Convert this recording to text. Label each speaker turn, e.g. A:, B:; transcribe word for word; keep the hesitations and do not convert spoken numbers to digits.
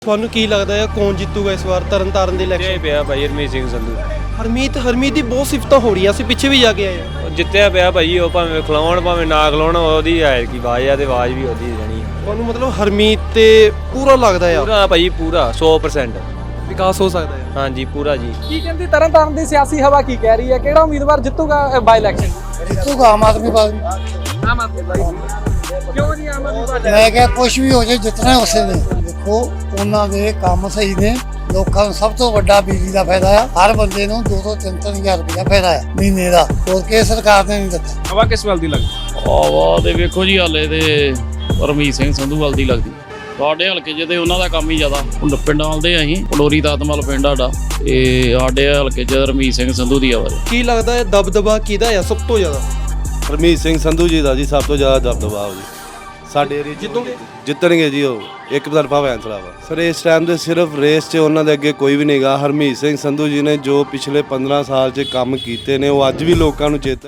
A: ਤੁਹਾਨੂੰ ਕੀ ਲੱਗਦਾ ਹੈ ਕੌਣ ਜਿੱਤੂਗਾ ਇਸ ਵਾਰ ਤਰਨਤਾਰਨ ਦੇ ਇਲੈਕਸ਼ਨ?
B: ਪਿਆ ਭਾਈ ਹਰਮੀਤ ਸਿੰਘ ਸੰਧੂ।
A: ਹਰਮੀਤ ਹਰਮੀਤ ਦੀ ਬਹੁਤ ਸਿਫਤਾਂ ਹੋ ਰਹੀਆਂ, ਅਸੀਂ ਪਿੱਛੇ ਵੀ ਜਾ ਕੇ ਆਏ ਹਾਂ।
B: ਜਿੱਤਿਆ ਪਿਆ ਭਾਈ, ਉਹ ਭਾਵੇਂ ਖਿਲਾਉਣ ਭਾਵੇਂ ਨਾ ਖਿਲਾਉਣ, ਉਹਦੀ ਆਏ ਕੀ ਆਵਾਜ਼ ਆ ਤੇ ਆਵਾਜ਼ ਵੀ ਉਹਦੀ ਜਾਣੀ।
A: ਤੁਹਾਨੂੰ ਮਤਲਬ ਹਰਮੀਤ ਤੇ ਪੂਰਾ ਲੱਗਦਾ ਆ
B: ਪੂਰਾ ਭਾਈ ਪੂਰਾ ਸੌ ਪ੍ਰਸੈਂਟ
A: ਵਿਕਾਸ ਹੋ ਸਕਦਾ ਹੈ?
B: ਹਾਂਜੀ ਪੂਰਾ ਜੀ।
C: ਕੀ ਕਹਿੰਦੀ ਤਰਨਤਾਰਨ ਦੀ ਸਿਆਸੀ ਹਵਾ ਕੀ ਕਹਿ ਰਹੀ ਹੈ? ਕਿਹੜਾ ਉਮੀਦਵਾਰ ਜਿੱਤੂਗਾ ਬਾਈ ਇਲੈਕਸ਼ਨ?
D: ਜਿੱਤੂਗਾ ਆਮ ਆਦਮੀ ਪਾਰਟੀ।
C: ਆਮ ਆਦਮੀ ਪਾਰਟੀ। ਕਿਉਂ ਜੀ ਆਮ ਆਦਮੀ ਪਾਰਟੀ?
D: ਮੈਂ ਕਿਹਾ ਕੁਝ ਵੀ ਹੋ ਜਾਏ ਜਿੱਤਣਾ ਉਸੇ ਨੇ। ਦੇਖੋ ਉਹਨਾਂ ਦੇ ਕੰਮ ਸਹੀ ਨੇ, ਲੋਕਾਂ ਨੂੰ ਸਭ ਤੋਂ ਵੱਡਾ ਬਿਜਲੀ ਦਾ ਫਾਇਦਾ ਆ, ਹਰ ਬੰਦੇ ਨੂੰ ਦੋ ਤੋਂ ਤਿੰਨ ਤਿੰਨ ਹਜ਼ਾਰ ਰੁਪਇਆ ਫਾਇਦਾ ਆ ਮਹੀਨੇ ਦਾ, ਹੋਰ ਕਿਸੇ ਸਰਕਾਰ ਨੇ ਨਹੀਂ ਦਿੱਤਾ।
C: ਹਵਾ ਕਿਸ ਵੱਲ ਦੀ ਲੱਗਦੀ?
E: ਹਵਾ ਤੇ ਵੇਖੋ ਜੀ, ਹਾਲੇ ਤੇ ਹਰਮੀਤ ਸਿੰਘ ਸੰਧੂ ਵੱਲ ਦੀ ਲੱਗਦੀ। ਸਾਡੇ ਹਲਕੇ 'ਚ ਤੇ ਉਹਨਾਂ ਦਾ ਕੰਮ ਹੀ ਜ਼ਿਆਦਾ। ਹੁਣ ਪਿੰਡਾਂ ਵੱਲ ਦੇ ਅਸੀਂ ਪਲੋਰੀ ਦਾਤਮਲ ਪਿੰਡ ਸਾਡਾ, ਤੇ ਸਾਡੇ ਹਲਕੇ 'ਚ ਹਰਮੀਤ ਸਿੰਘ ਸੰਧੂ ਦੀ ਆਵਾਜ਼।
A: ਕੀ ਲੱਗਦਾ ਹੈ ਦਬਦਬਾ ਕਿਹਦਾ ਆ ਸਭ ਤੋਂ ਜ਼ਿਆਦਾ?
F: ਹਰਮੀਤ ਸਿੰਘ ਸੰਧੂ ਜੀ ਦਾ ਜੀ ਸਭ ਤੋਂ ਜ਼ਿਆਦਾ ਦਬਦਬਾ ਜੀ ਸਾਡੇ ਏਰੀਏ 'ਚ।
A: ਜਿੱਤੂਗੇ?
F: ਜਿੱਤਣਗੇ ਜੀ, ਉਹ ਇੱਕ ਤਰਫਾ ਫੈਸਲਾ ਵਾ ਸਰ। ਇਸ ਟਾਈਮ ਤੇ ਸਿਰਫ ਰੇਸ 'ਚ ਉਹਨਾਂ ਦੇ ਅੱਗੇ ਕੋਈ ਵੀ ਨਹੀਂਗਾ। ਹਰਮੀਤ ਸਿੰਘ ਸੰਧੂ ਜੀ ਨੇ ਜੋ ਪਿਛਲੇ ਪੰਦਰਾਂ ਸਾਲ 'ਚ ਕੰਮ ਕੀਤੇ ਨੇ, ਉਹ ਅੱਜ ਵੀ ਲੋਕਾਂ ਨੂੰ ਚੇਤਾ